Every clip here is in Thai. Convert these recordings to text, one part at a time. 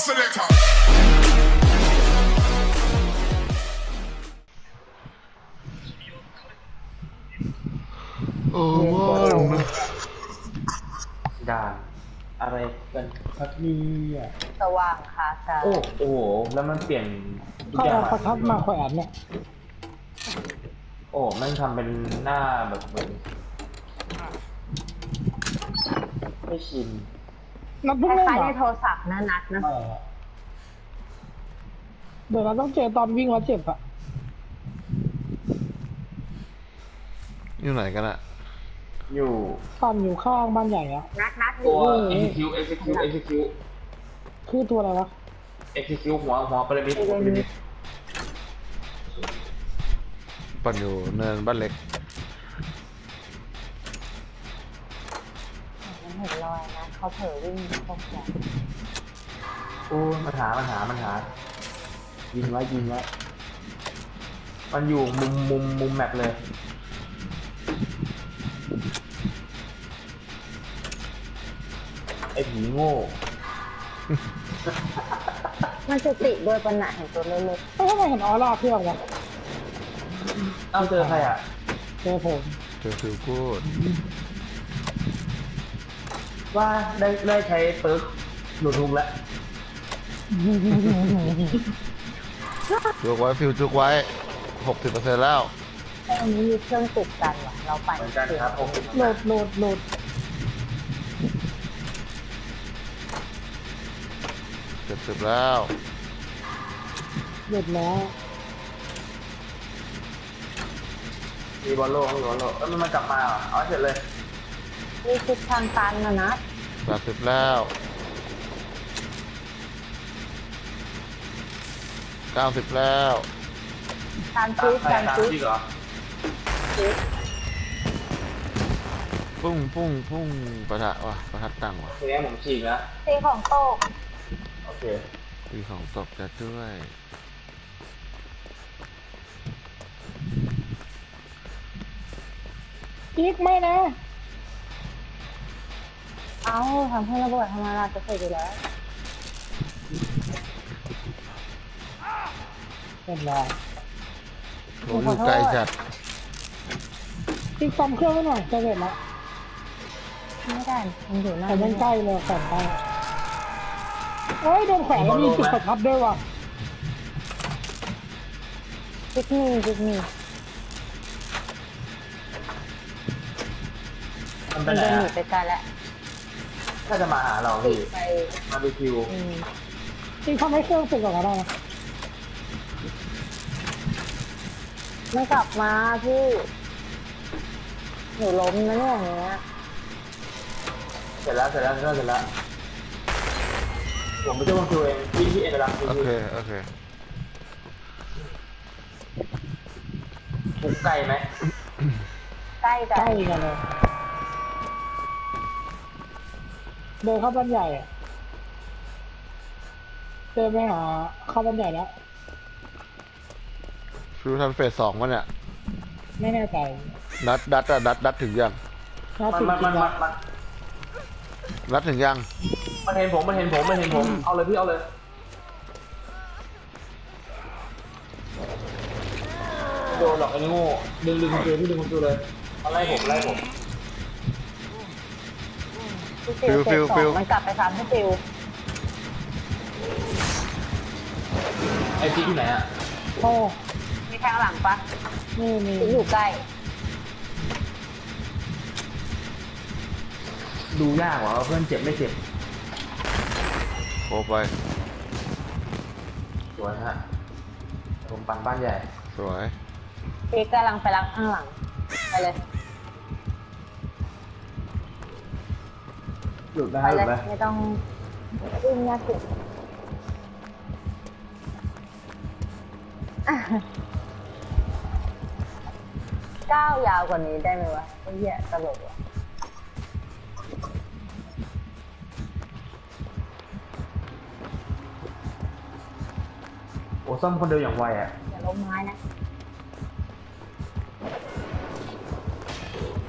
selector. โอ้ว้าวด่านอะไรกันครับเนี่ยสว่างค่ะแต่โอ้โอ้โหแล้วมันเปลี่ยนทุกเขาอย่างเอาประทัดมาแขวนเนี่ยโอ้แม่งทำเป็นหน้าแบบเหมือนไม่ชินนัดคเพิ่งเล่นล้ายเหๆรในอโทรศัพท์นะนัดนะไม่อะเดี๋ยวเราต้องเจอตอนวิ่งแล้วเจ็บอะอยู่ไหนกันอะอยู่ตอนอยู่ข้างบ้านใหญ่อะนัดอตัยู่วนี่ execute คือตัวอะไรวะหัวพีระมิดปั่นอยู่เนินบ้านเล็กมันเห็นรอยนะเขาเผลอวิ่งตรงแขนโอ้มันหายิงไว้มันอยู่มุมแมปเลยไอ้ผีโง่มันจะติโดยปัญหาเห็นตัวเล็กเอ้ยทำไมเห็นออร่าเครื่องวะเอาเจอใครอ่ะเจอผมเจอฟิลกูดว่าได้ใช้เปิร์กหลุดทุงแล้วจุกไว้ฟิลจุกไว้ 60%แล้วๆแต่อันนี้มีเครื่องติดกันว่ะเราไปเหมือนกันครับผมโหลดโหลดโหลด 70แล้วโหลดแล้วมีบอลโลกแล้วมันกลับมาเหรอเอาเสร็จเลยมีทิศทางตันนะนัด 80แล้ว90แล้วการซีดการตามซีดที่เหรอพุ่งประทัดว่ะประทัดตังว่ะทีนี้ผมฉีกนะซีของโต๊ะโอเคมีของตกจัดด้วยอีกไม่นะเอ้าทำให้ระเบิดธรรมดาจะเสร็จอยู่แล้วเรียบร้อยโหอยู่ไกลจัดอีกซ่อมเครื่องไว้หน่อยจะเสร็จแล้วไม่ได้มันอยู่หน้าแต่ยังใกล้เลยแขวนใกล้เอ้ยโดนแขวนแล้วมีจุดประทัดด้วยว่ะจิกมีมันเป็มัน นไงเดินหนีอะไปไกลแล้วถ้าจะมาหาเราติพี่ดไปมาดูคิวจริงทำให้เครื่องติดก่อนก็ได้นะมันกลับมาพี่หนูล้มนะเนี่ยอย่างเงี้ยเสร็จแล้วผมไม่ใช่คนคิวเองพี่เอ็นรับโอเคโอเคถูกไกลไหมใกล้กัใกล้นกันเลยเดินเข้าบ้านใหญ่อะเดินไปหาเข้าบ้านใหญ่แล้วฟิลทำเฟส2วะเนี่ยไม่แน่ใจนัดถึงยังน่ามันติดมันจริงมันละมันนัดถึงยังมันเห็นผมเอาเลยพี่เอาเลยโดนหรอกไอ้โง่ดึงคุณจูพี่ดึงคุณจูเลยเอาไล่ผมพี่ฟิวเฟสสองมันกลับไปซ้ำที่ฟิวไอ้พี่ที่ไหนอ่ะโอ้มีทางหลังปะนี่มีฟิวอยู่ใกล้ดูยากว่าเพื่อนเจ็บไม่เจ็บโคไปสวยฮะผมปั่นบ้านใหญ่สวยพี่กำลังไปรับข้างหลังไปเลยหลุดนะไปหเลลุยดไหมไม่ต้องวิ่งยากสิก้าวยาวกว่านี้ได้ไหมวะไอ้เหี้ยตลกว่ะโอ้ซ่อมคนเดียวอย่างไวอ่ะอย่าล้มไม้นะ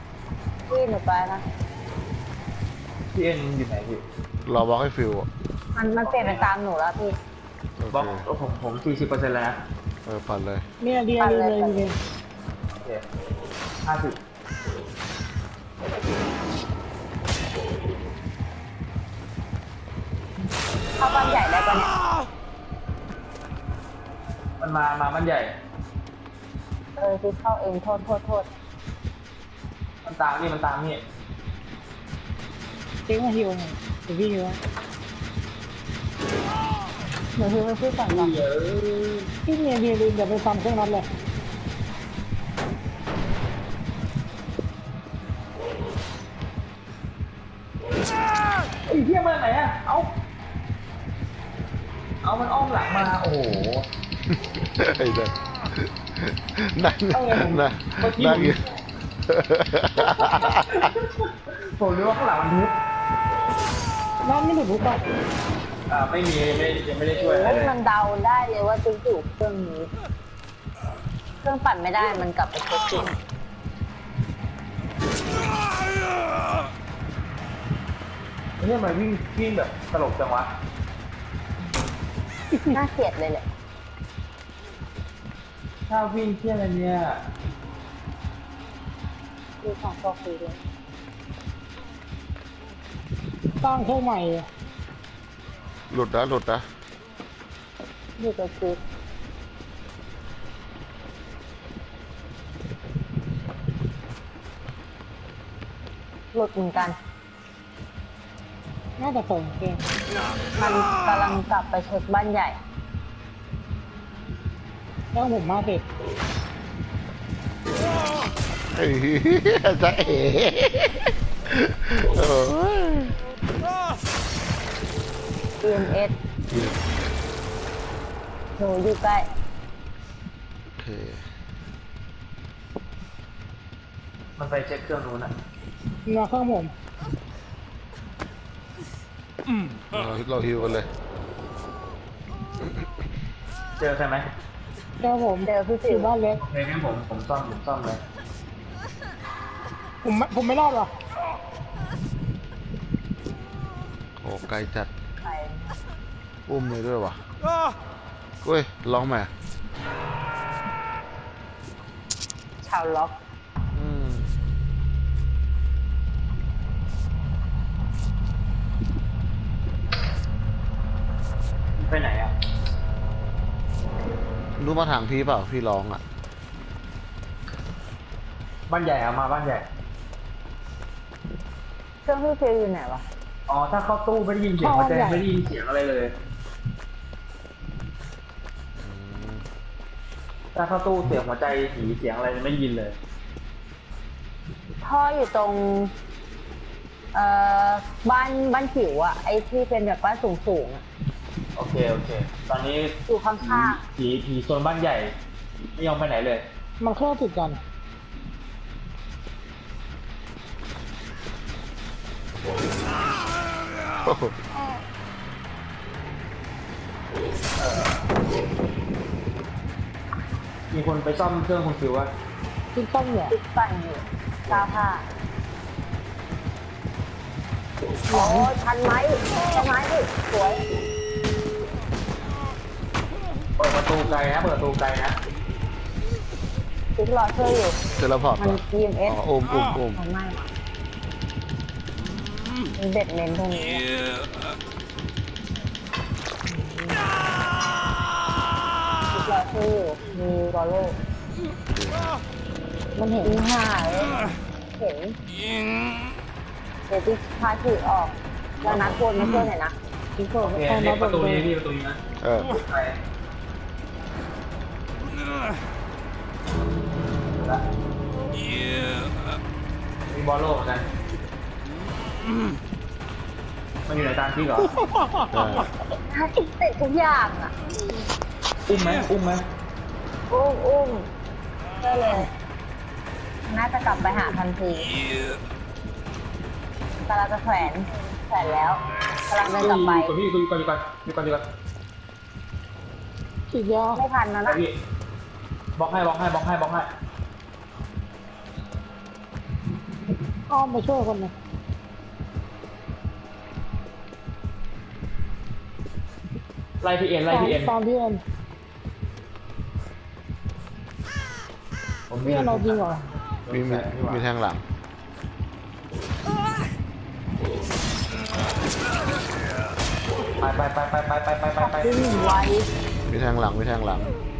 พี่หนูไปนะพี่เอ็นอยู่ไหนพี่รอบล็อกให้ฟิลอะมันเปลี่ยนเป็นตามหนูแล้วพี่โอบล็อกเคผม40%แล้วนะปั่นเลยเนี่ยเดียดีเลยดีเลยโอเค50 เข้าบ้านใหญ่ได้ปะเนี่ยมันมามันใหญ่พี่เข้าเองโทษมันตามนี่เจ๊มาฮิวหน่อยเดี๋ยวพี่ฮิวให้หนูพี่ไม่พูดก่อนก่อนเยอะพี่เนี่ยเดียลืมอย่าไปทำเครื่องนั้นเลยไอ้เหี้ยมาไหนอะเอามันอ้อมหลังมา โอ้โหไอ้เด็กนั่งเอาไงผมนั่งเมื่อกี้นั่งอยู่ผมนึกว่าข้างหลังมันทุบน้ำไม่หลุดทุกข์ป่ะไม่มียังไม่ได้ช่วยอะไรโอ้เลยมันเดาได้เลยว่าติ๊กอยู่เครื่องนี้ เครื่องปั่นไม่ได้มันกลับไปเช็คจริงเนี่ยมันวิ่งแบบตลกจังวะน่าเกลียดเลยแหละถ้าวิ่งเที่ยอะไรเนี่ยดูของโซฟีด้วยสร้างเครื่องใหม่หลุดนะดูตัวคือหลุดเหมือนกันน่าจะส่งเกมมันกำลังกลับไปเช็คบ้านใหญ่แล้วผมมาเสร็จไอ้เหี้ยจะเอ๋โอ้ย EMS หนูอยู่ใกล้โอเคมันไปเช็คเครื่องนู้นอะมาเครื่องผมเราฮิวกันเลยเจอใช่ไหมเจ้าผมเจอพี่อสิวยู่บ้านเล็กโอเคงั้นผมซ่อมเลยผมไม่รอดหรอโอ้ไกลจัดไปอุ้มเลยด้วยวะเฮ้ยลองไหมชาวล็อกอืมไปไหนอะรู้มาทางพี่เปล่าพี่ร้องอ่ะบ้านใหญ่อะมาบ้านใหญ่เครื่องพี่ฟิวอยู่ไหนวะอ๋อ ถ้าเข้าตู้ไม่ได้ยินเสียงหัวใจไม่ได้ยินเสียงอะไรเลย ถ้าเข้าตู้เสียงหัวใจผีเสียงอะไรไม่ได้ยินเลยท่ออยู่ตรง บ้านผิวอะไอที่เป็นแบบบ้านสูงๆอะโอเค ตอนนี้อยู่ข้างผีโซนบ้านใหญ่ ไม่ยอมไปไหนเลยมันเครื่องติดกันโอ้โหมีคนไปซ่อมเครื่องคุณฟิวอะติดตั้งเนี่ยๆติดปั่นอยู่ก้าวผ้าโอ้ทันไหมทันไหมพี่สวยเปิดประตูไกลนะติ๊กรอช่วยอยู่เทเลพอร์ตมันเหรอ EMS อ๋ออุ้มมันไม่มันเด็ดเน้นตรงนี้ติ๊กรอช่วยอยู่มีบอลโล่มันเห็นห่าเลยเห็นเดี๋ยวติ๊กพาถือออกแล้วนัดวนมาช่วยหน่อยนะติดเปิดโอเคเอาเรียมากประตูนี้พี่ประตูนี้นะเออไปละมีบอลโลกเหมือนกันมันอยู่ในตามที่เหรอได้ติดทุกอย่างอ่ะอุ้มไหมอุ้มได้เลย น่าจะกลับไปหาทันทีกำลังจะแขวนแล้วกำลังเดินกลับไปอยู่ก่อนฉีดยาไม่ทันแล้วไปนะพี่บล็อกให้อ้อมไปช่วยคนหนึงไล่พี่เอ็นไล่พี่เอ็นตามพี่เอ็นผมพี่เอ็นเราจริงเหรอมีแทงหลังไปวิ่งไวมีแทงหลังมีแทงหลัง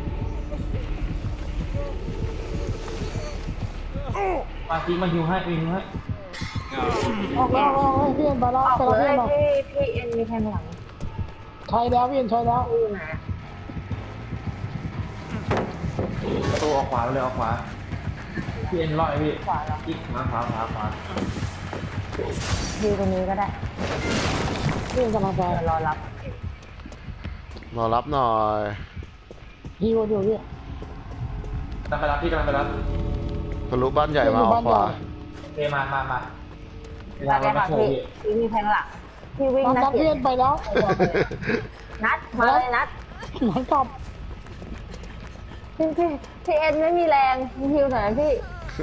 มาจริงมาฮิวให้ฮิวให้ออกแล้วพี่เอ็นไปแล้วออกไปเลแล้วพี่ยเอ็นมาพี่เอ็นมีแทงหลังใช้แล้วพี่เอ็นใช้แล้วอยู่ไหนประตูออกขวาไปเลยออกขวาพี่เอ็นลอยพี่ขวาแล้วอีกขวาขวาดูตรงนี้ก็ได้พี่เอ็นกำลังไปเดี๋ยวรอรับรอรับหน่อยฮิวอยู่พี่กำลังไปรับพี่กำลังไปรับทะลุบ้านใหญ่มาออกขวาเอมาเวลาได้เราไม่ค่ะโชว์พี่พี่พี่มีแทงหลังพี่วิ่งตามนัดพี่เอ็นไปแล้วนัดมาเลยนัดหลังกลับพี่เอ็นไม่มีแรงฮิวหน่อยนะพี่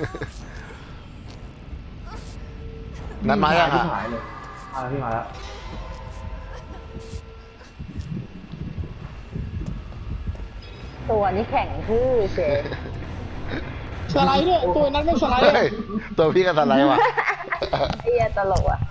นัดมายังที่อ่ะหายเลยมาแล้วพี่มาแล้วตัวนี้แข็งชื่อเจ๊สไลด์ด้วยตัวนั้นไม่สไลด์เฮ้ยตัวพี่ก็สไลด์ว่ะไอ้เหี้ยตลกอ่ะ